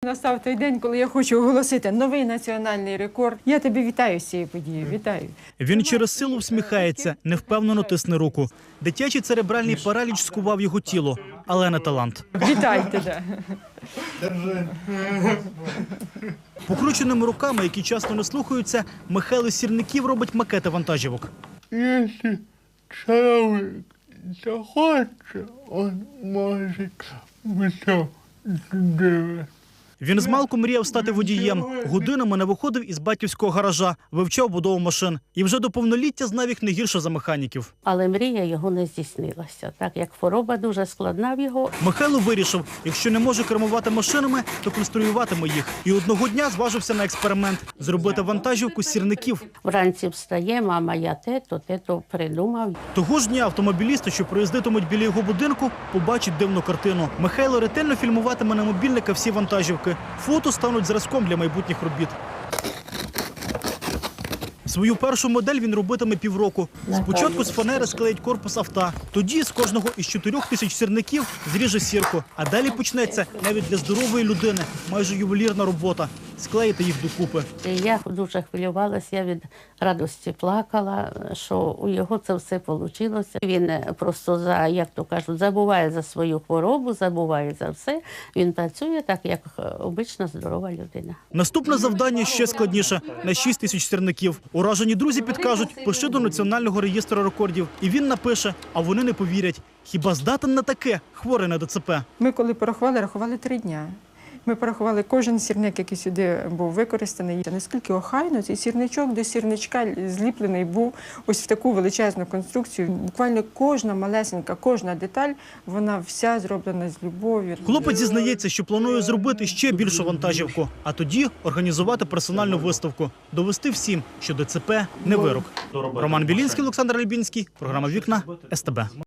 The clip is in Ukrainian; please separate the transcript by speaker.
Speaker 1: Настав той день, коли я хочу оголосити новий національний рекорд. Я тебе вітаю з цією подією, вітаю.
Speaker 2: Він через силу всміхається, невпевнено тисне руку. Дитячий церебральний параліч скував його тіло, але не талант.
Speaker 1: Вітайте, да.
Speaker 2: Покрученими руками, які часто не слухаються, Михайло Сірників робить макети вантажівок.
Speaker 3: Якщо чоловік захоче, він може все зробити.
Speaker 2: Він змалку мріяв стати водієм. Годинами не виходив із батьківського гаража, вивчав будову машин. І вже до повноліття знав їх не гірше за механіків.
Speaker 4: Але мрія його не здійснилася, так як хвороба дуже складна в його.
Speaker 2: Михайло вирішив, якщо не може кермувати машинами, то конструюватиме їх. І одного дня зважився на експеримент – зробити вантажівку з сірників.
Speaker 4: Вранці встає, мама, я те-то придумав.
Speaker 2: Того ж дня автомобілісти, що проїздитимуть біля його будинку, побачать дивну картину. Михайло ретельно фільмуватиме на мобільника всі вантажівки. Фото стануть зразком для майбутніх робіт. Свою першу модель він робитиме півроку. Спочатку з фанери склеїть корпус авто. Тоді з кожного із 4000 сірників зріже сірку. А далі почнеться навіть для здорової людини майже ювелірна робота – склеїти їх докупи.
Speaker 4: Я дуже хвилювалася, я від радості плакала, що у його це все вийшло. Він просто, як то кажуть, забуває за свою хворобу, забуває за все. Він працює так, як обична здорова людина.
Speaker 2: Наступне завдання ще складніше – на 6000 сірників. Уражені друзі підкажуть, пиши до Національного реєстру рекордів. І він напише, а вони не повірять. Хіба здатен на таке, хворий на ДЦП?
Speaker 1: Ми коли порахували, рахували 3 дня. Ми порахували кожен сірник, який сюди був використаний. Наскільки охайно цей сірничок до сірничка зліплений був ось в таку величезну конструкцію. Буквально кожна малесенька, кожна деталь, вона вся зроблена з любов'ю.
Speaker 2: Хлопець зізнається, що планує зробити ще більшу вантажівку, а тоді організувати персональну виставку, довести всім, що ДЦП – не вирок. Роман Білінський, Олександр Альбінський, програма «Вікна», СТБ.